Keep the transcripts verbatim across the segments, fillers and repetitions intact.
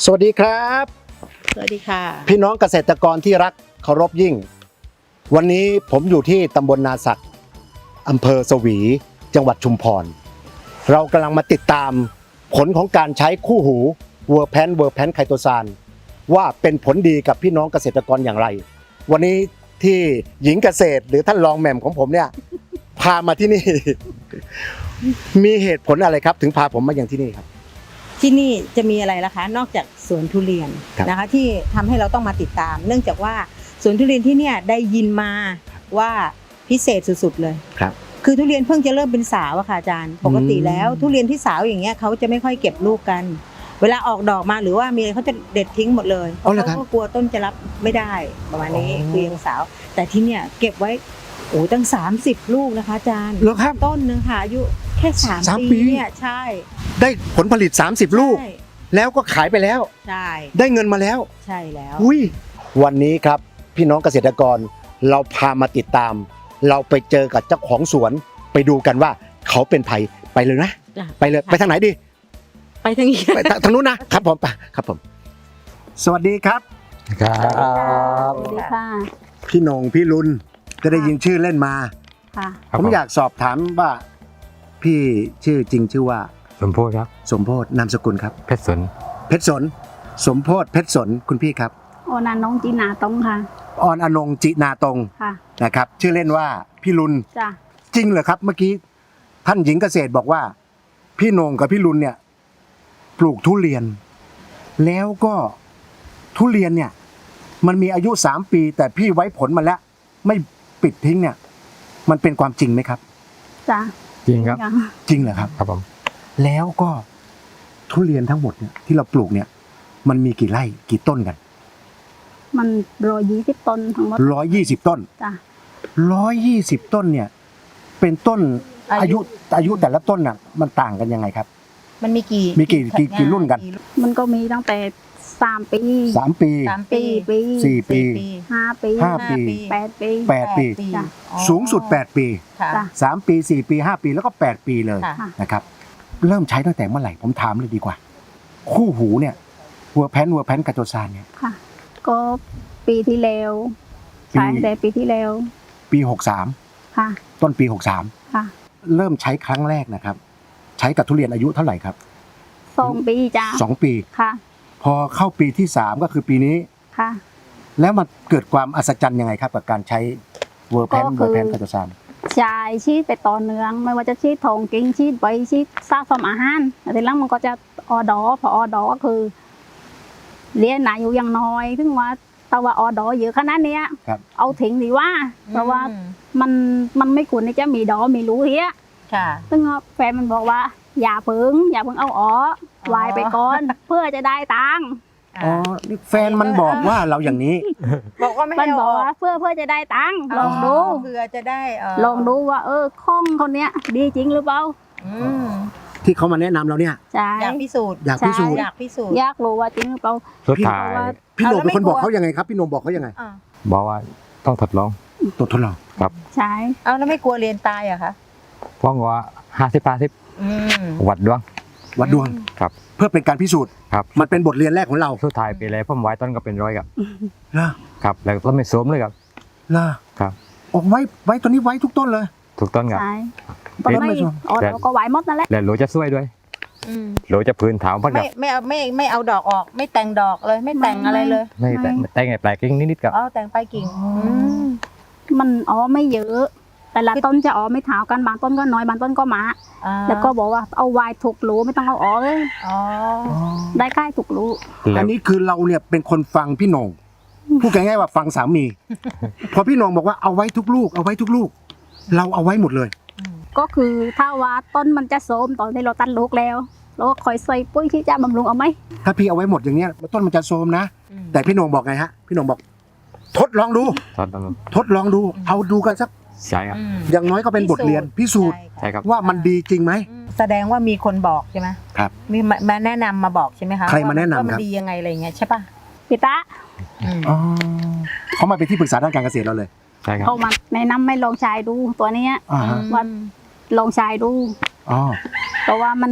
สวัสดีครับสวัสดีค่ะพี่น้องเกษตรกรที่รักเคารพยิ่งวันนี้ผมอยู่ที่ตำบลนาสักอำเภอสวีจังหวัดชุมพรเรากำลังมาติดตามผลของการใช้คู่หูเวอร์แพนเวอร์แพนไคโตซานว่าเป็นผลดีกับพี่น้องเกษตรกรอย่างไรวันนี้ที่หญิงเกษตรหรือท่านรองแหม่มของผมเนี่ยพามาที่นี่ มีเหตุผลอะไรครับถึงพาผมมาอย่างที่นี่ครับที่นี่จะมีอะไรล่ะคะนอกจากสวนทุเรียนนะคะที่ทำให้เราต้องมาติดตาม เนื่องจากว่าสวนทุเรียนที่เนี่ยได้ยินมาว่าพิเศษสุดๆเลยครับคือทุเรียนเพิ่งจะเริ่มเป็นสาวอะค่ะอาจารย์ปกติแล้วทุเรียนที่สาวอย่างเงี้ยเขาจะไม่ค่อยเก็บลูกกันเวลาออกดอกมาหรือว่ามีอะไรเขาจะเด็ดทิ้งหมดเลยเพราะเขาก็กลัวต้นจะรับไม่ได้ประมาณนี้คือยังสาวแต่ที่เนี่ยเก็บไว้โอ้ตั้งสามสิบลูกนะคะอาจารย์ต้นนึงค่ะอายุแค่สามปีเนี่ยใช่ได้ผลผลิตสามสิบลูกแล้วก็ขายไปแล้วใช่ได้เงินมาแล้วใช่แล้วอุ้ยวันนี้ครับพี่น้องเกษตรกรเราพามาติดตามเราไปเจอกับเจ้าของสวนไปดูกันว่าเขาเป็นไผไปเลยนะไปเลยไปทางไหนดีไปทางนี้ไปทางนู้นนะครับผมไปครับผมสวัสดีครับครับสวัสดีค่ะพี่นงพี่ลุนจะได้ยินชื่อเล่นมาค่ะผมอยากสอบถามว่าพี่ชื่อจริงชื่อว่าสมโพธิครับสมโพธินามสกุลครับเพชรสนเพชรสนสมโพธิเพชรสนคุณพี่ครับออนอนงจีนาตรงค่ะออนอนงจินาตรงค่ะนะครับชื่อเล่นว่าพี่ลุนจ้ะจริงเหรอครับเมื่อกี้ท่านหญิงเกษตรบอกว่าพี่นงกับพี่ลุนเนี่ยปลูกทุเรียนแล้วก็ทุเรียนเนี่ยมันมีอายุสามปีแต่พี่ไว้ผลมาแล้วไม่ปิดทิ้งเนี่ยมันเป็นความจริงไหมครับจ้ะจริงครับจริงเหรอครับครับผมแล้วก็ทุเรียนทั้งหมดเนี่ยที่เราปลูกเนี่ยมันมีกี่ไร่กี่ต้นกันมันร้อยยี่สิบต้นทั้งหมดร้อยยี่สิบต้นจ้ะร้อยยี่สิบต้นเนี่ยเป็นต้นอายุอายุแต่ละต้นน่ะมันต่างกันยังไงครับมันมีกี่มีกี่กี่กี่รุ่นกันมันก็มีตั้งแต่สามปีสามปีสามปีสี่ปีห้าปีห้าปีแปดปีแปดปีสูงสุดแปดปีจ้ะสามปีสี่ปีห้าปีแล้วก็แปดปีเลยนะครับเริ่มใช้ตั้งแต่เมื่อไหร่ผมถามเลยดีกว่าคู่หูเนี่ยเวอร์แพนเวอร์แพนไคโตซานเนี่ยค่ะก็ปีที่แล้วใช้แต่ปีที่แล้วปีหกสามค่ะต้นปีหกสามค่ะเริ่มใช้ครั้งแรกนะครับใช้กับทุเรียนอายุเท่าไหร่ครับสองปีจ้ะสองปีค่ะพอเข้าปีที่สามก็คือปีนี้ค่ะแล้วมันเกิดความอัศจรรย์ยังไงครับกับการใช้เวอร์แพนเวอร์แพนไคโตซานใช่ชีดไปต่อเนื่องไม่ว่าจะชีดทองกิ้งชีดใบชีดซากสมอาหารแต่ทีหลังมันก็จะออดอพอออดอก็คือเลี้ยงหนาอยู่อย่างน้อยถึงว่าแต่ว่าออดอเยอะขนาดนี้เอาทิ้งดีว่าเพราะว่ามันมันไม่ควรที่จะมีดอมีรู้เฮียซึ่งแฟนมันบอกว่าอย่าเพิ่งอย่าเพิ่งเอาอ๋อวายไปก่อนเพื่อจะได้ตังค์อ๋อนี่แฟนมันบอกว่าเราอย่างนี้บอกว่าไม่มันบอกว่าเพื่อเพื่อจะได้ตังค์ลองดูเพื่อจะได้ลองดูว่าเออข้องคนเนี้ยดีจริงหรือเปล่าที่เขามาแนะนำเราเนี่ยอยากพิสูจน์อยากพิสูจน์อยากพิสูจน์อยากรู้ว่าจริงหรือเปล่าสุดท้ายพี่โหนงเป็นคนบอกเขายังไงครับพี่โหนงบอกเขายังไงบอกว่าต้องทดลองต้องทดลองครับใช่เอาแล้วไม่กลัวเรียนตายอะคะเพราะว่าห้าสิบห้าสิบวัดดวงวัดดวงครับเพื่อเป็นการพิสูจน์ครับมันเป็นบทเรียนแรกของเราสุดท้ายไปเลยผมไว้ต้นก็เป็นร้อยครับล่ะครับแล้วต้นไม่โสมเลยครับล่ะครับออกไว้ไว้ตัวนี้ไว้ทุกต้นเลยทุกต้นครับใช่ต้นไม่อ๋อเราก็ไว้หมดนั่นแหละแล้วโหลจะช่วยด้วยโหลจะพื้นถามพักกับไม่ไม่เอาไม่ไม่เอาดอกออกไม่แต่งดอกเลยไม่แต่งอะไรเลยไม่แต่งแต่งไงแปลกกิ่งนิดๆกับอ๋อแต่งไปกิ่งมันอ๋อไม่เยอะแต่ละต้นจะอ๋อไม่เท่ากันบางต้นก็น้อยบางต้นก็มาแล้วก็บอกว่าเอาวายถูกรูไม่ต้องเอาอ๋อเลยได้ใกล้ถูกรูอันนี้คือเราเนี่ยเป็นคนฟังพี่โหนงพูดง่ายๆว่าฟังสามีพอพี่โหนงบอกว่าเอาไว้ทุกลูกเอาไว้ทุกลูกเราเอาไว้หมดเลยก็คือถ้าว่าต้นมันจะโทรมตอนที่เราตัดลูกแล้วเราก็คอยใส่ปุ๋ยที่จะบำรุงเอาไหมถ้าพี่เอาไว้หมดอย่างเงี้ยต้นมันจะโทรมนะแต่พี่โหนงบอกไงฮะพี่โหนงบอกทดลองดูทดลองดูเอาดูกันสักใช่ครับอย่างน้อยก็เป็นบทเรียนพิสูจน์ว่ามันดีจริงไหมแสดงว่ามีคนบอกใช่ไหมครับมีมาแนะนำมาบอกใช่ไหมคะใครมาแนะนำว่ามันดียังไงอะไรเงี้ยใช่ป่ะพี่ตาอ๋อเขามาเป็นที่ปรึกษาด้านการเกษตรเราเลยใช่ครับเขามาแนะนำให้ลองใช้ดูตัวนี้ว่าลองใช้ดูอ๋อเพราะว่ามัน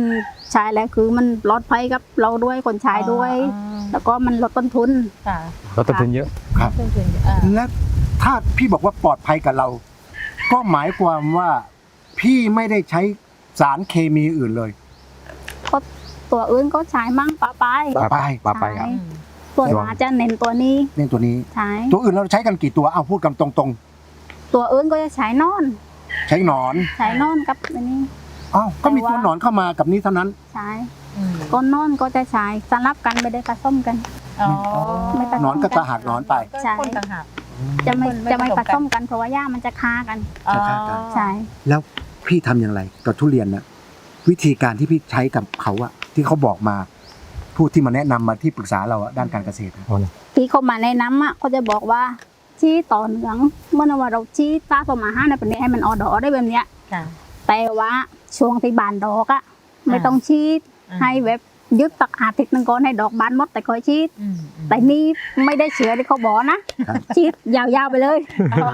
ใช้แล้วคือมันลดภัยกับเราด้วยคนใช้ด้วยอ๋อแล้วก็มันลดต้นทุนค่ะลดต้นทุนเยอะครับต้นทุนอ่าและถ้าพี่บอกว่าปลอดภัยกับเรา ก็หมายความว่าพี่ไม่ได้ใช้สารเคมีอื่นเลยก็ตัวอื่นก็ใช้มั่งปะปายปะปายปลาไปครับใช่ ตัวหมาจะเน้นตัวนี้เล่นตัวนี้ใช้ตัวอื่นเราใช้กันกี่ตัวเอาพูดกันตรงตัวอื่นก็จะใช้นอนๆ ใช้หนอนใช้นอนกับอันนี้อ้าวก็มีแต่ว่าตัวหนอนเข้ามากับนี้เท่านั้นใช้อืมก้นนอนก็จะใช้สลับกันไม่ได้ผสมกันอ๋อไม่ผสมหนอนก็กระหักหนอนไปก็คนต่างหากจะไม่ไม่จะไม่ผผสมกันสมกันเพราะว่าหญ้ามันจะคากันอ๋อจะฆ่ากันใช่แล้วพี่ทำอย่างไรกับทุเรียนนะวิธีการที่พี่ใช้กับเขาอะที่เขาบอกมาผู้ที่มาแนะนำมาที่ปรึกษาเราอะด้านการเกษตรอะที่เขามาแนะนำอ่ะเขาจะบอกว่าชี้ต่อเหลืองเมื่อว่าเราชี้ตาสมอาหารในประเด็นให้มันออดอได้แบบเนี้ยค่ะแต่ว่าช่วงที่บานดอกอะไม่ต้องชีดอ่าให้แบบยึดตักอาทิตย์หนึงก่อนให้ดอกบานหมดแต่ค่อยชีดอืมอืมแต่นี่ไม่ได้เชื้อที่เขาบอกนะครับ ชีดยาวๆไปเลยอ้าว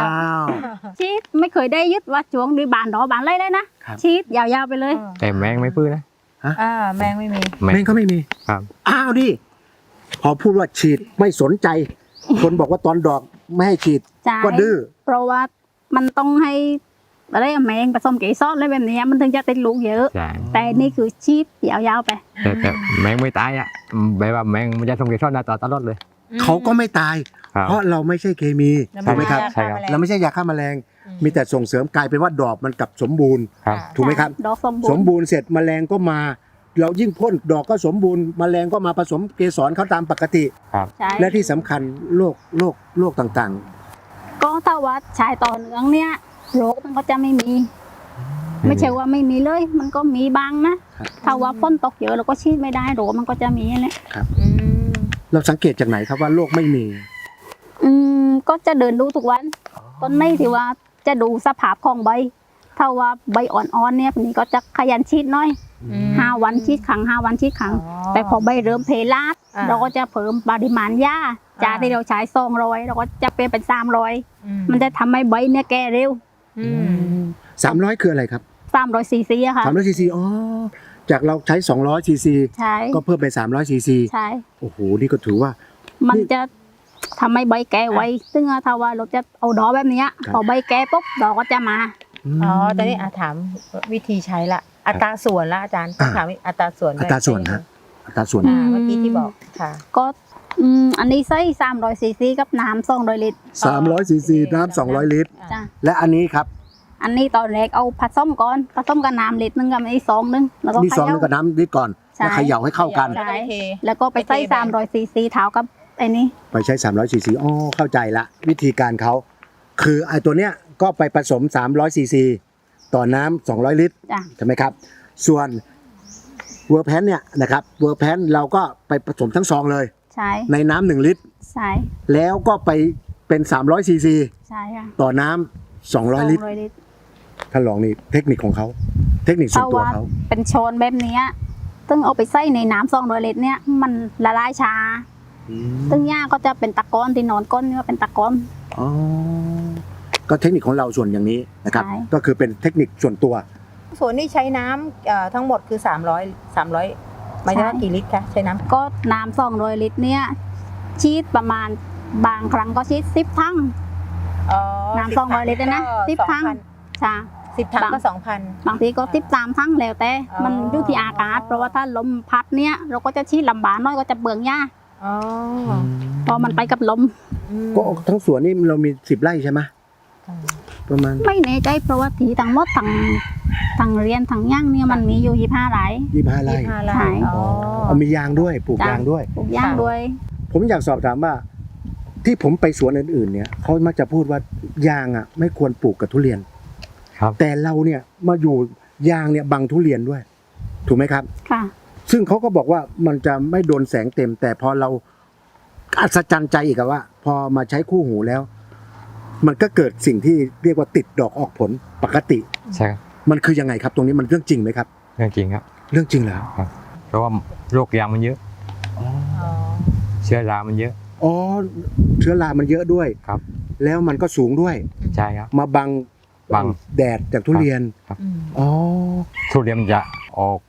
ชีดไม่เคยได้ยึดว่าช่วงที่บานดอกบานไรเลยนะครับ ชีดยาวๆไปเลยแต่แมงไม่พื้นนะอ่าแมงไม่มีแมแม่งงก็ไม่มีครับอ้าวดิพอพูดว่าฉีดไม่สนใจ คนบอกว่าตอนดอกไม่ให้ฉีดใช่ก็ดื้อเพราะว่ามันต้องให้อะไรอะแมงผสมเกสรอะไรแบบเนี้ยมันถึงจะติดลูกเยอะใช่แต่นี่คือชีดยาวๆไปแต่แต่แมงไม่ตายอ่ะแบบว่าแมงมันจะส่งเกสรหน้าตาตลอดเลยเขาก็ไม่ตายครับเพราะเราไม่ใช่เคมี ถูกไหมครับใช่ครับเราไม่ใช่ยาฆ่าแมลง มีแต่ส่งเสริมกลายเป็นว่าดอกมันกลับสมบูรณ์ครับถูกไหมครับดอกสมบูสรมณ์บูรณ์เสร็จแมลงก็มา เรายิ่งพ่นดอกก็สมบูรณ์แมลงก็มาผสมเกสรเขาตามปกติใช่และที่สำคัญโรคโรคโรคต่างก็ถ้าว่าชายต่อเนื่องเนี่ยโรคมันก็จะไม่มี ไม่ใช่ว่าไม่มีเลย มันก็มีบ้างนะครับ ถ้าว่าฝนตกเยอะเราก็ชีดไม่ได้โรคมันก็จะมีแหละอืมๆ เราสังเกตจากไหนครับว่าโรคไม่มีอืมก็จะเดินดูทุกวันต้นในที่ว่าจะดูสภาพของใบ ถ้าว่าใบอ่อนๆเนี่ยนี่ก็จะขยันชีดหน้อยอืมห้าวันชีดครั้งห้าวันชีดครั้งอ๋อแต่พอใบเริ่มเพลาดอ่าเราก็จะเพิ่มปริมาณหญ้าจากอ่าที่เราใช้ซองร้อยเราก็จะเปลี่ยนเป็นสามร้อยอืมันจะทำให้ใบเนี่ยแก่เร็วอืมสามร้อยคืออะไรครับสามร้อยซีซีอะค่ะสามร้อยซีซีอ๋อจากเราใช้สองร้อยซีซีใช่ก็เพิ่มเป็นสามร้อยซีซีใช่โอ้โหนี่ก็ถือว่ามันจะทำให้ใบแก่ไวซึ่งถ้าว่าเราจะเอาดอกแบบเนี้ยครับพอใบแก่ปุ๊บดอกก็จะมามอ๋อตอนนี้อาถามวิธีใช้ละ อัตราส่วนละอาจารย์อ่าถามอัตราส่วนด้วยอัตราส่วนฮะอัตราส่วนอ่าเมื่อกี้ที่บอกค่ะก็อืมอันนี้ใส่สามร้อยซีซีกับน้ำสองร้อยลิตรสามร้อยซีซีน้ำสองร้อยลิตรจ้ะและอันนี้ครับอันนี้ตอนแรกเอาผสมก่อนผสมกับน้ำลิตรนึงกับอันนี้ซองนึงแล้วก็นี่เขซองนึย่างกับน้ำนิดก่อนใช่แล้วเขย่าให้เข้ากันแล้วก็เทแล้วก็ไปใส่ไปเทไปสามร้อยซีซีเท้ากับไอ้นี่ไปใช้สามร้อยซีซีอ๋อเข้าใจละ วิธีการเขาคือไอ้ตัวเนี้ยก็ไปผสมสามร้อยซีซีต่อน้ำสองร้อยลิตรจ้ะใช่ไหมครับ ส่วนเวอร์แพนเนี่ยนะครับเวอร์แพนเราก็ไปผสมทั้งซองเลยใช่ในน้ำหนึ่งลิตรใช่แล้วก็ไปเป็นสามร้อยซีซีใช่ค่ะต่อน้ำสองร้อยลิตรสองร้อยลิตรท่านลองนี่เทคนิคของเขาเทคนิคส่วนตัวเขาเป็นโชนแบบเนี้ยซึ่งเอาไปใส่ในน้ำสองร้อยลิตรเนี่ยมันละลายช้าอืมซึ่งหญ้าก็จะเป็นตะกอนที่นอนก้นนี่ว่าเป็นตะกอนอ๋อก็เทคนิคของเราส่วนอย่างนี้นะครับใช่ก็คือเป็นเทคนิคส่วนตัวส่วนนี้ใช้น้ำเอ่อทั้งหมดคือสามร้อย สามร้อยหมายถึงว่ากี่ลิตรคะใช้น้ำก็น้ำสองร้อยลิตรเนี่ยชีดประมาณบางครั้งก็ชีดสิบทั้งอ๋อน้ำสองร้อยลิตรนะสิบถัง จ้ะสิบถังบางก็สองพันบางทีก็สิบสามทั้งแล้วแต่อ๋อมันอยู่ที่อากาศ เพราะว่าถ้าลมพัดเนี่ยเราก็จะชีดลำบากน้อยก็จะเบืองหญ้าอ๋อเพราะมันไปกับลมอืมก็ทั้งสวนนี่เรามีสิบไร่ใช่ไหมประมาณไม่แน่ใจเพราะว่าที่ทั้งหมดทั้งทั้งเรียนทั้งย่างเนี่ยมันมีอยู่ยี่ห้าไร่ยี่สิบห้าไร่ยี่สิบห้าไร่ใช่อ๋อเอามียางด้วยปลูกจ้ะยางด้วยปลูกย่างด้วยผมอยากสอบถามว่า ที่ผมไปสวนอื่นๆเนี่ยเขามักจะพูดว่ายางอ่ะ ไม่ควรปลูกกับทุเรียนครับแต่เราเนี่ยมาอยู่ยางเนี่ยบังทุเรียนด้วย ถูกไหมครับค่ะซึ่งเขาก็บอกว่ามันจะไม่โดนแสงเต็ม แต่พอเราอัศจรรย์ใจอีกอะว่า พอมาใช้คู่หูแล้ว มันก็เกิดสิ่งที่เรียกว่าติดดอกออกผลปกติใช่ครับมันคือยังไงครับ ตรงนี้มันเรื่องจริงไหมครับเรื่องจริงครับเรื่องจริงเหรอเพราะว่าโรคยางมันเยอะอ๋อเชื้อรามันเยอะอ๋อเชื้อรามันเยอะด้วยครับแล้วมันก็สูงด้วยใช่ครับมาบังบังแดดจากทุเรียนอืมอ๋อทุเรียนมันจะออก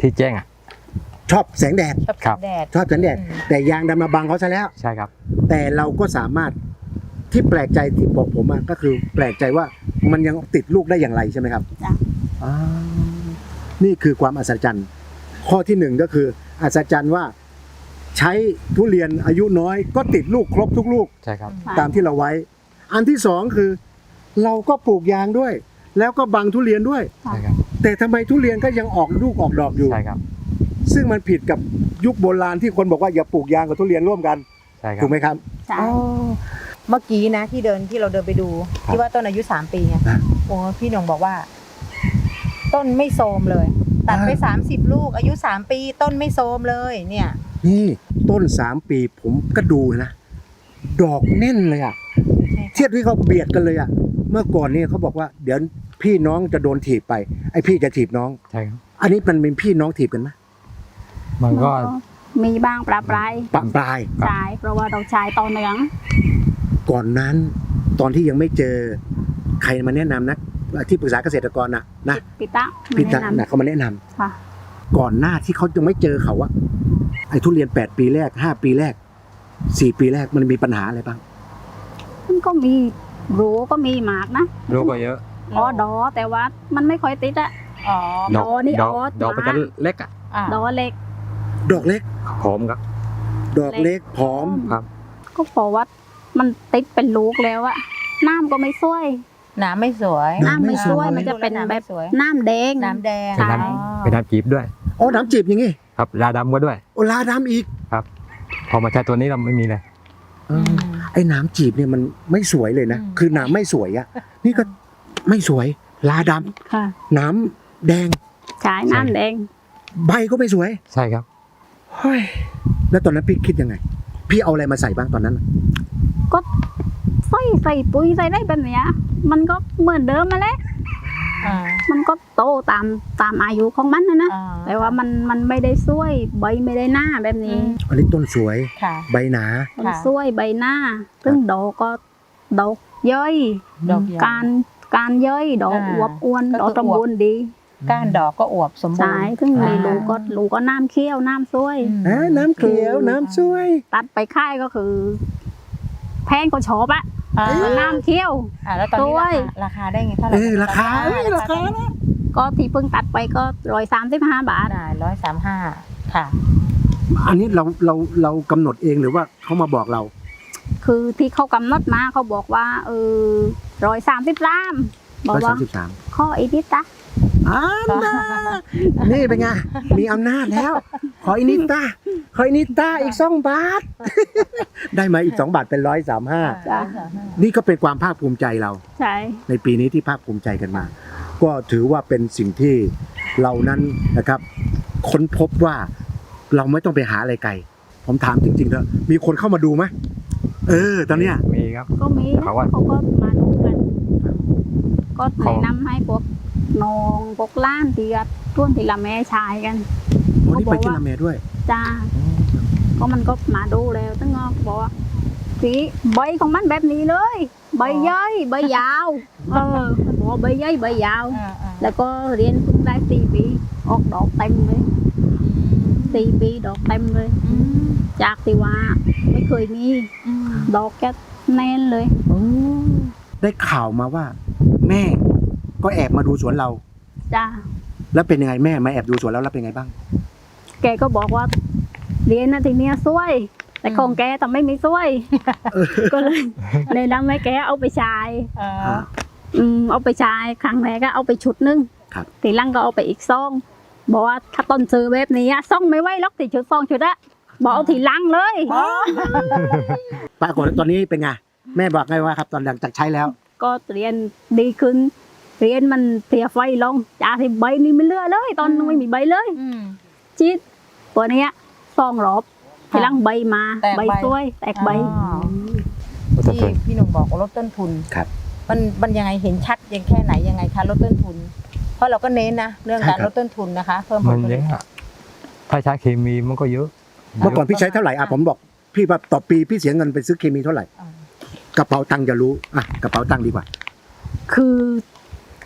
ที่แจ้งอ่ะชอบแสงแดดชอบครับแดดชอบแสงแดดอืมแต่ยางดันมาบังเขาซะแล้วใช่ครับแต่เราก็สามารถที่แปลกใจที่บอกผมอะก็คือแปลกใจว่ามันยังติดลูกได้อย่างไรใช่ไหมครับจ้ะอ่านี่คือความอัศจรรย์ข้อที่หนึ่งก็คืออัศจรรย์ว่า ใช้ทุเรียนอายุน้อย ก็ติดลูกครบทุกลูกใช่ครับตามที่เราไว้ อันที่สองคือ เราก็ปลูกยางด้วย แล้วก็บังทุเรียนด้วยใช่ครับแต่ทำไมทุเรียนก็ยังออกลูกออกดอกอยู่ใช่ครับซึ่งมันผิดกับยุคโบราณที่คนบอกว่าอย่าปลูกยางกับทุเรียนร่วมกันใช่ครับถูกไหมครับใช่เมื่อกี้นะที่เดินที่เราเดินไปดูครับที่ว่าต้นอายุสามปีไงนะโอ้พี่หนงบอกว่า ต้นไม่โทรมเลย ตัดไปอ่าสามสิบลูก อายุสามปี ต้นไม่โทรมเลย เนี่ยนี่ต้นสามปีผมก็ดูนะ ดอกแน่นเลยอะเทียบที่เขาเบียดกันเลยอะเมื่อก่อนเนี่ยเขาบอกว่าเดี๋ยวพี่น้องจะโดนถีบไปไอพี่จะถีบน้องใช่ครับอันนี้มันเป็นพี่น้องถีบกันไหมมันก็มีบ้างปลาปลายปะปลายใช่เพราะว่าเราใช้ต่อเนื่องก่อนนั้น ตอนที่ยังไม่เจอใครมาแนะนำนะที่ปรึกษาเกษตรกรนะนะปิตะพี่ตาแนะนนะเขามาแนะนำำค่ะก่อนหน้าที่เขายังไม่เจอเขาอะไอ้ทุเรียนแปดปีแรกห้าปีแรกสี่ปีแรกมันมีปัญหาอะไรบ้างมันก็มีรู้ก็มีหมากนะลูกก็เยอะอ๋อดอแต่ว่ามันไม่ค่อยติดอะอ๋อดอกดอกนี่ดอกออสดอกมันจะมาเล็กอ่ะอ่ะดอเล็กดอกเล็กหอมครับดอกเล็กผอมครับก็เพราะว่ามันติดเป็นลูกแล้วอะน้ำก็ไม่ช่วยน้ำไม่สวยน้ำไม่ช่วยน้ำไม่สวยมันจะเป็นน้ำแบไม่บสวยน้ำแดงน้ำแดงใช่เป็นน้ำเป็นน้ำจีบด้วยอ๋อน้ำจีบอย่างงี้ครับยาดำก็ด้วยโอลาดำอีกพอมาใช้ตัวนี้เราไม่มีเลยเออไอ้น้ำจีบเนี่ยมันไม่สวยเลยนะอืมคือน้ำไม่สวยอะนี่ก็ไม่สวย ลาดค่ะำน้ำแดงใช้น้ำแดงใบก็ไม่สวยใช่ครับเฮ้ยแล้วตอนนั้นพี่คิดยังไง พี่เอาอะไรมาใส่บ้างตอนนั้นก็ใส่ใส่ปุ๋ยใส่ได้แบบเนี้ยมันก็เหมือนเดิมมาแล้วอ่ามันก็โตตามตามอายุของมันนะนะอ่าแต่ว่ามันมันไม่ได้ช่วยใบไม่ได้หน้าแบบนี้อันนี้ต้นสวยค่ะใบหนามันช่วยใบหน้า ซึ่งดอกก็ดอกย่อยดอกใหญ่การการย่อยดอกอ่าอวบอ้วนก็คือดอกสมบูรณ์ดีก้านดอกก็อวบสมบูใช่รณ์ซึ่งในอ่าลูกก็ลูกก็น้ำเคี้ยวน้ำช่วยอืมอ่าน้ำเขียวน้ำสวยตัดไปค่ายก็คือ แพงก็ชอบอะอ่าแล้วน้ำเคี้ยวอ่าแล้วตอนนี้ด้วยราคาราคาได้ไงเท่าไหร่เออราคาเอ้ยราคานะก็ที่เพิ่งตัดไปก็ร้อยสามสิบห้าบาทได้ร้อยสามห้าค่ะอันนี้เราเราเรากำหนดเองหรือว่าเขามาบอกเราคือที่เขากำหนดมาเขาบอกว่าเออร้อยสามสิบสามบอกร้อยว่าสามสิบสามข้ออีนิดจ้ะอ่านะนี่เป็นไง มีอำนาจแล้ว ขออินิต้าขออินิต้าอีกสองบาท ได้มาอีกสองบาทเป็นร้อยสามห้าจ้ะนี่ก็เป็นความภาคภูมิใจเราใช่ในปีนี้ที่ภาคภูมิใจกันมา ก็ถือว่าเป็นสิ่งที่เรานั้นนะครับ ค้นพบว่าเราไม่ต้องไปหาอะไรไกล ผมถามจริงๆเถอะมีคนเข้ามาดูไหมเออ ตอนเนี้ยมีครับก็มีนะเขาว่าเขาก็มาดูกัน ก็เขาแนะนำให้พวกน้องพวกล้านที่ก็ร่วมที่ละแม่ชายกันวันนี้ไปที่ละเมด้วยจ้าก็มันก็มาดูแล้วตั้งก็บอกว่าสีใบของมันแบบนี้เลย ใบย่อยใบยาว เออมันบอกว่าใบย่อยใบยาวอ่าอ่าแล้วก็เรียนเพิ่งได้สี่ปีออกดอกเต็มเลยสี่ปีดอกเต็มเลยอืมจากที่ว่าไม่เคยมีอืมดอกแค่แน่นเลยได้ข่าวมาว่า แม่ก็แอบมาดูสวนเราจ้าแล้วเป็นยังไงแม่มาแอบดูสวนแล้วแล้วเป็นไงบ้างแกก็บอกว่า เรียนนะทีเนี้ยช่วย แต่ของแกแต่ไม่มีช่วย ก็เลยแนะนำให้แกเอาไปใช้อ่าอืมเอาไปใช้ครั้งแรกก็เอาไปชุดหนึงครับทีหลังก็เอาไปอีกซองบอกว่าถ้าต้นซื้อแบบนี้อะซองไม่ไหวล็อกติชุดซองชุดอะบอกเอาทีหลังเลยปรากฏว่าตอนนี้เป็นไงแม่บอกไงว่าครับ ตอนหลังจากใช้แล้วก็เรียนดีขึ้น เรียนมันเสียไฟลงจากที่ใบนี่ไม่เหลือเลย ตอนนั้นไม่มีใบเลยอืมชีดตัวเนี้ยซองรอบทีหลังใบมาแตกใบใบสวย แตกใบอ๋อก็จะที่ทนพี่หนุ่มบอกว่าลดต้นทุนครับมันมันยังไงเห็นชัดยังแค่ไหนยังไงคะลดต้นทุน เพราะเราก็เน้นนะเรื่องการใช่คลรับดต้นทุนนะคะ เพิ่มผมัลนผเยลิตอะอะถ้าใช้เคมีมันก็เยอะเมื่อก่อนพี่ใช้เท่าไหร่อ่ะผมบอกพี่ว่าต่อปีพี่เสียเงินไปซื้อเคมีเท่าไหร่อ่ากระเป๋าตังค์จะรู้อ่ะกระเป๋าตังค์ดีกว่าคือ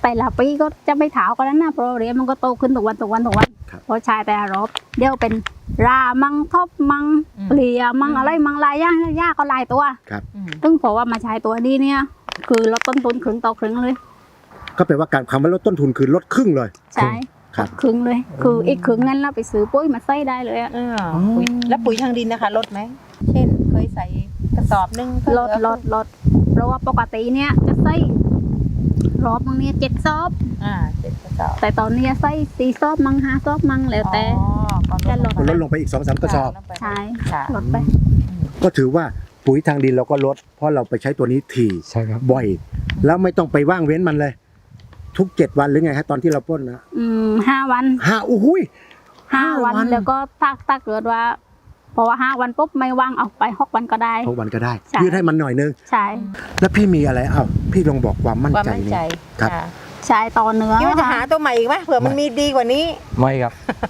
แต่ละปีก็จะไม่ถาวกันนั้นนะเพราะเรียนมันก็โตขึ้นทุกวันทุกวันทุกวันครับเพราะชายแต่ละรอบเดี๋ยวเป็นรามังทบมังอืมเปลี่ยมังอืมอะไรมังลายย่างย่าก็หลายตัวอืมซึ่งเพราะว่ามาใช้ตัวนี้เนี่ยคือลดต้นทุนครึ่งต่อครึ่งเลยก็แปลว่าการคำว่าลดต้นทุนคือลดครึ่งเลยใช่ครับครึ่งเลย คืออีกครึ่งนั้นเราไปซื้อปุ้ยมาใส่ได้เลยอะเออปุ๋ยแล้วปุ๋ยทางดินนะคะลดไหมเช่นเคยใส่กระสอบหนึงก็ลดลดลดเพราะว่าปกติเนี่ยจะใส่รอบมังเนี่ยเจ็ดซอบอ่าเจ็ดกระสอบแต่ตอนเนี้ยใส่สี่ซอบมังห้าซอบมังแล้วแต่อ๋อก็ลดมันลดลงไปอีกสองสามกระสอบลดไปใช่ค่ะลดไปก็ถือว่าปุ๋ยทางดินเราก็ลด เพราะเราไปใช้ตัวนี้ถี่ใช่ครับบ่อย แล้วไม่ต้องไปว่างเว้นมันเลย ทุกเจ็ดวันหรือไงฮะตอนที่เราพ่นนะอืมห้าวันห้าโอ้โหยห้าห้าวัวัน นแล้วก็ถ้าถ้าเกิดว่าเพราะว่าห้าวันปุ๊บไม่ว่างเอาไปหกวันก็ได้ทุกวันก็ได้ใช่ยืดให้มันหน่อยนึงใช่แล้วพี่มีอะไรอ้าวพี่ลองบอกความมั่นความใจมั่นนี่ใจครับค่ะใช่ต่อเนื้อคิดว่าจะหาตัวใหม่อีกไหมเผื่อมันมีดีกว่านี้ไม่ครับ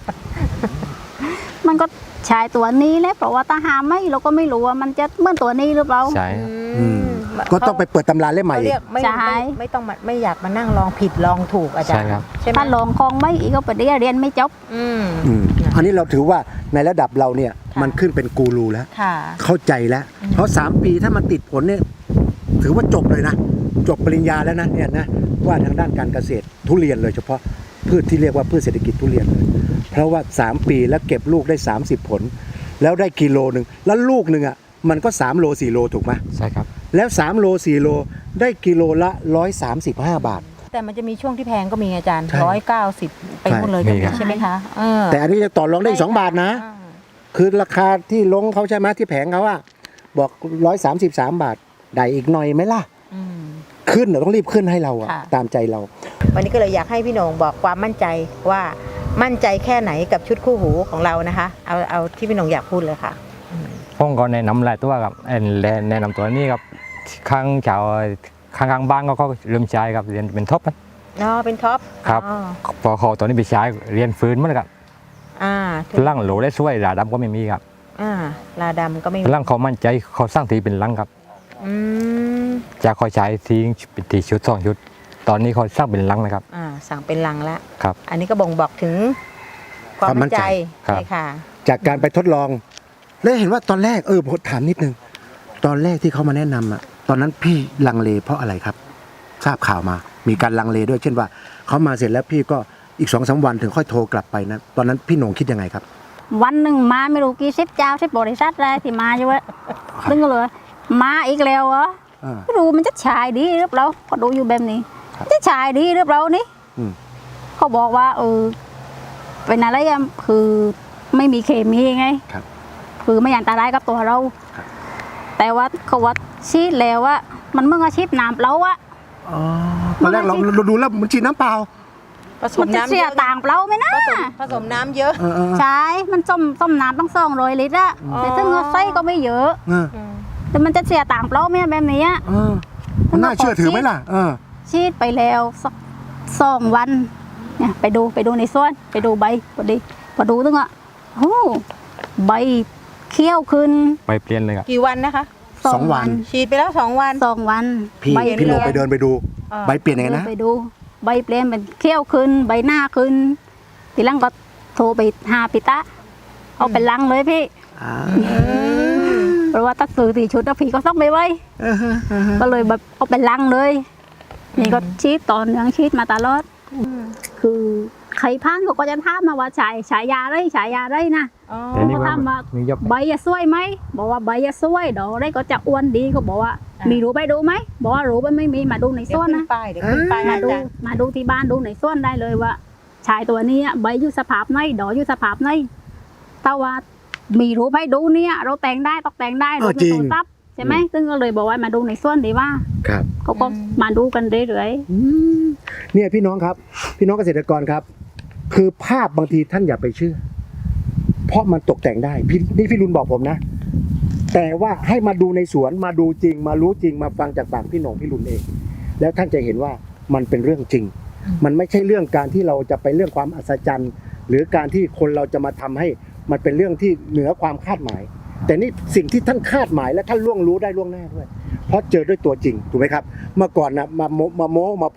มันก็ใช้ตัวนี้แหละเพราะว่าถ้าหาไม่เราก็ไม่รู้ว่ามันจะเหมือนตัวนี้หรือเปล่าใช่อืมก็ต้องไปเปิดตำราเล่มใหม่เขาอีเรีกยกไม่ใช่ไม่ไม่ต้องมาไม่อยากมานั่งลองผิดลองถูกอาจารใช่ย์ครับใช่ไหมถ้าลองคลองไม่อีกก็ไปเรียนเรียนไม่จบอืมอืมอันนี้เราถือว่าในระดับเราเนี่ยค่ะมันขึ้นเป็นกูรูแล้วค่ะเข้าใจแล้วอืมเพราะสามปีถ้ามันติดผลเนี่ยถือว่าจบเลยนะ จบปริญญาแล้วนะเนี่ยนะว่าทางด้านการเกษตรทุเรียนเลยเฉพาะพืชที่เรียกว่าพืชเศรษฐกิจทุเรียนเลย เพราะว่าสามปีแล้วเก็บลูกได้สามสิบผล แล้วได้กิโลหนึ่งแล้วลูกหนึ่งอ่ะมันก็สามโลสี่โลถูกไหมใช่ครับแล้วสามโลสี่โลได้กิโลละหนึ่งร้อยสามสิบห้าบาทแต่มันจะมีช่วงที่แพงก็มีอาจารย์ใช่ร้อยเก้าสิบไปหมดเลยใช่ก็มีมีครับใช่ไหมคะเออแต่อันนี้จะต่อรองได้อีกสองบาทนะอ่าคือราคาที่ลงเขาใช่ไหมที่แผงเขาอะบอกร้อยสามสิบสามบาทได้อีกหน่อยไหมล่ะอืมขึ้นเราต้องรีบขึ้นให้เราอะค่ะตามใจเราวันนี้ก็เลยอยากให้พี่โหน่งบอกความมั่นใจว่ามั่นใจแค่ไหนกับชุดคู่หูของเรานะคะ เอาเอาที่พี่โหน่งอยากพูดเลยค่ะผมก็แนะนำหลายตัวครับเอ็นแนะนำตัวนี้ครับข้างชาวข้างๆบ้านก็เขาเริ่มใช้ครับเรียนเป็นท็อปนะอ๋อเป็นท็อปครับอ๋อพอเขาตัวนี้ไปใช้เรียนฟื้นมั้งครับอ่าพลังโหลได้ช่วยราดำก็ไม่มีครับอ่าลาดำก็ไม่พมีลังเขามั่นใจเขาสร้างทีเป็นลังครับอืมจากเขาใช้ทีเป็นทีชุดสองชุด ตอนนี้เขาสร้างเป็นลังนะครับอ่าสั่งเป็นลังแล้วครับอันนี้ก็บ่งบอกถึงความมั่นใจครับใช่ค่ะจากการไปทดลอง แล้วเห็นว่าตอนแรกเออผมถามนิดนึง ตอนแรกที่เขามาแนะนำอะตอนนั้นพี่ลังเลเพราะอะไรครับ ทราบข่าวมา มีการลังเลด้วยเช่นว่าเขามาเสร็จแล้วพี่ก็อีกสองสามวันถึงค่อยโทรกลับไปนะตอนนั้นพี่โหน่งคิดยังไงครับวันหนึ่งมาไม่รู้กี่สิบเจ้าสิบบริษัทเลยที่มาอยู่อะซึ่งก็เลยมาอีกแล้วเหรออ่าไม่รู้มันจะฉายดีหรือเปล่าก็ดูอยู่แบบนี้ครับจะฉายดีหรือเปล่านี่อืมเขาบอกว่าเออเป็นอะไรอะคือไม่มีเคมีไงครับคือไม่อันตรายกับตัวเราครับแต่ว่าเขาว่าชีดแล้วว่ามันเมื่ออาชีพน้ำเปล่าอะอ๋อตอนแรกเราเราดูแล้วมันฉีดน้ำเปล่าผสมัมนจะน้ำเสีเยยอะต่างเปล่าไหมนะผสมผสมน้ำเยอะเออเออเออใช่มันส้มส้มน้ำต้องสองร้อยลิตรอะอ๋อแต่ถ้าเงาไส้ก็ไม่เยอะเอออืมแต่มันจะเสียต่างเปล่าไหมแบบนี้อะเออมันน่าเชื่อถือไหมล่ะเออชีดไปแล้วสักสองวันเนี่ยไปดูไปดูในสวนไปดูใบพอดีพอดูตึงอ่ะโอ้ใบเขี้ยวขึ้นไปเปลี่ยนเลยครับกี่วันนะคะสองวันฉีดไปแล้วสองวันสองวันพี่ใบพี่โหน่งไปเดินไปดูอ่าใบเปลี่ยนยังไงนะไปดูใบเปลี่ยนเป็นเขี้ยวขึ้น ใบหน้าขึ้นทีหลังก็โทรไปหาปิตะเอาเป็นลังเลยพี่อ่าเพราะว่าตัดสื่อตีชุดแล้วพี่ก็ต้องไปไว้เออเออเออก็เลยแบบเอาเป็นลังเลย นี่ก็ชีดต่อเนื่องชีดมาตลอด คือใครพังเขาก็จะถามมาว่าฉายฉายาไรฉายาไรนะอ๋อแต่นี่ว่าเขาถามว่ามียกใบจะสวยไหมบอกว่าใบจะสวยดอกได้ก็จะอ้วนดีเขาบอกว่า มีรู้ไปดูไหมบอกว่ารู้ไปไม่มีมาดูในเดี๋สยววนขึ้นนะป้ายเดี๋ยวขึ้นป้ายมานะดูอาจารย์มาดูที่บ้านดูในสวนได้เลยว่าชายตัวนี้ใบอยู่สภาพไหนดอกอยู่สภาพไหนถ้าว่ามีรู้ไปดูเนี่ยเราแต่งได้ตกแต่งได้เอดูอในจริงโทรศัพท์ใช่ไหมซึ่งก็เลยบอกว่ามาดูในสวนดีว่าครับเขาก็มาดูกันเรื่อยอืมเนี่ยพี่น้องครับ พี่น้องเกษตรกรครับ คือภาพบางทีท่านอย่าไปเชื่อ เพราะมันตกแต่งได้พี่นี่พี่รุนบอกผมนะ แต่ว่าให้มาดูในสวนมาดูจริง มารู้จริงมาฟังจากปากพี่หนงพี่รุนเอง แล้วท่านจะเห็นว่ามันเป็นเรื่องจริง มันไม่ใช่เรื่องการที่เราจะไปเรื่องความอัศจรรย์ หรือการที่คนเราจะมาทำให้มันเป็นเรื่องที่เหนือความคาดหมาย แต่นี่สิ่งที่ท่านคาดหมายและท่านล่วงรู้ได้ล่วงหน้าด้วย เพราะเจอด้วยตัวจริงถูกไหมครับ เมื่อก่อนนะมาโมมาโม้มาพ่น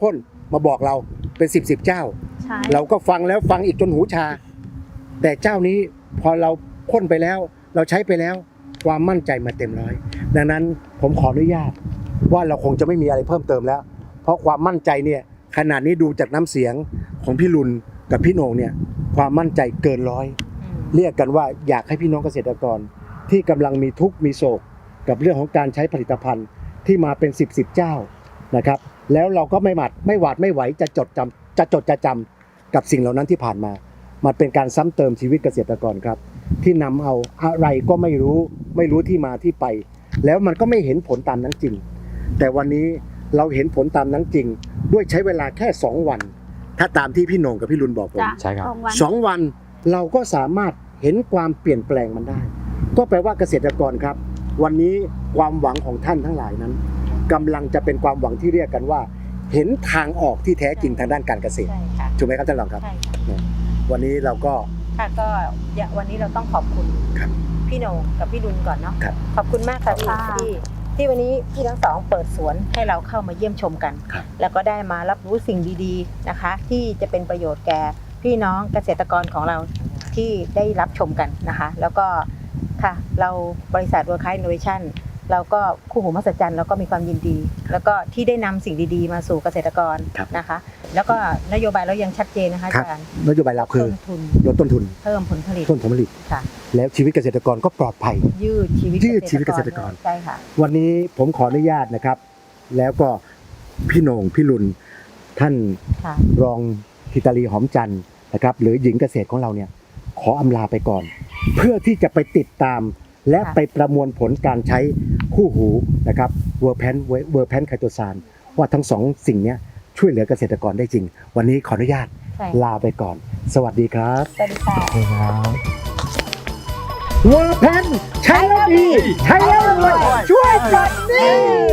มาบอกเราเป็นสิบสิบเจ้าใช่เราก็ฟังแล้วฟังอีกจนหูชา แต่เจ้านี้พอเราพ่นไปแล้ว เราใช้ไปแล้วความมั่นใจมาเต็มร้อย ดังนั้นผมขออนุญาตว่าเราคงจะไม่มีอะไรเพิ่มเติมแล้ว เพราะความมั่นใจเนี่ยขนาดนี้ดูจากน้ำเสียงของพี่รุนกับพี่โหน่งเนี่ยความมั่นใจเกินร้อย เรียกกันว่าอยากให้พี่น้องเกษตรกรที่กำลังมีทุกข์มีโศกกับเรื่องของการใช้ผลิตภัณฑ์ที่มาเป็นสิบสิบเจ้านะครับแล้วเราก็ไม่หมัดไม่หวาดไม่ไหวจะจดจำจะจดจะจำกับสิ่งเหล่านั้นที่ผ่านมามันเป็นการซ้ำเติมชีวิตเกษตรกรครับที่นำเอาอะไรก็ไม่รู้ไม่รู้ที่มาที่ไป แล้วมันก็ไม่เห็นผลตามนั้นจริง แต่วันนี้เราเห็นผลตามนั้นจริง ด้วยใช้เวลาแค่สองวัน ถ้าตามที่พี่โหน่งกับพี่รุนบอกผมจ้ะใช่ครับสองวันสองวันเราก็สามารถเห็นความเปลี่ยนแปลงมันได้ ก็แปลว่าเกษตรกรครับ วันนี้ความหวังของท่านทั้งหลายนั้นกำลังจะเป็นความหวังที่เรียกกันว่า เห็นทางออกที่แท้จริงทางด้านการเกษตรใช่ค่ะถูกไหมครับท่านรองครับใช่ค่ะวันนี้เราก็ค่ะก็อย่าวันนี้เราต้องขอบคุณครับพี่โหน่งกับพี่รุนก่อนเนาะครับขอบคุณมากค่ะพี่ค่ะที่ที่วันนี้พี่ทั้งสองเปิดสวนให้เราเข้ามาเยี่ยมชมกันครับแล้วก็ได้มารับรู้สิ่งดีๆนะคะ ที่จะเป็นประโยชน์แก่พี่น้องเกษตรกรของเราที่ได้รับชมกันนะคะ แล้วก็ค่ะเราบริษัท World Class Innovation เราก็คู่หูมหัศจรรย์เราก็มีความยินดี แล้วก็ที่ได้นำสิ่งดีๆ มาสู่เกษตรกรครับนะคะ แล้วก็นโยบายเรายังชัดเจนนะคะอาครับจารย์นโยบายเราคือต้นทุนลดต้นทุนเพิ่มผลผลิตต้นผลผลิตค่ะแล้วชีวิตเกษตรกรก็ปลอดภัยยืดชีวิตยืดชีวิตเกษตรกรใช่ค่ะวันนี้ผมขออนุญาตนะครับ แล้วก็พี่โหน่งพี่รุนท่านค่ะรองธิตาลีหอมจันทร์นะครับหรือหญิงเกษตรของเราเนี่ยขออำลาไปก่อน เพื่อที่จะไปติดตาม และค่ะไปประมวลผลการใช้คู่หูนะครับเวอร์แพนเวอร์แพนไคโตซานว่าทั้งสองสิ่งเนี้ยช่วยเหลือเกษตรกรได้จริง วันนี้ขออนุญาตใช่ลาไปก่อน สวัสดีครับสวัสดีค่ะครับเวอร์แพนใช้แล้วดีใช้แล้วรวยช่วยปลดหนี้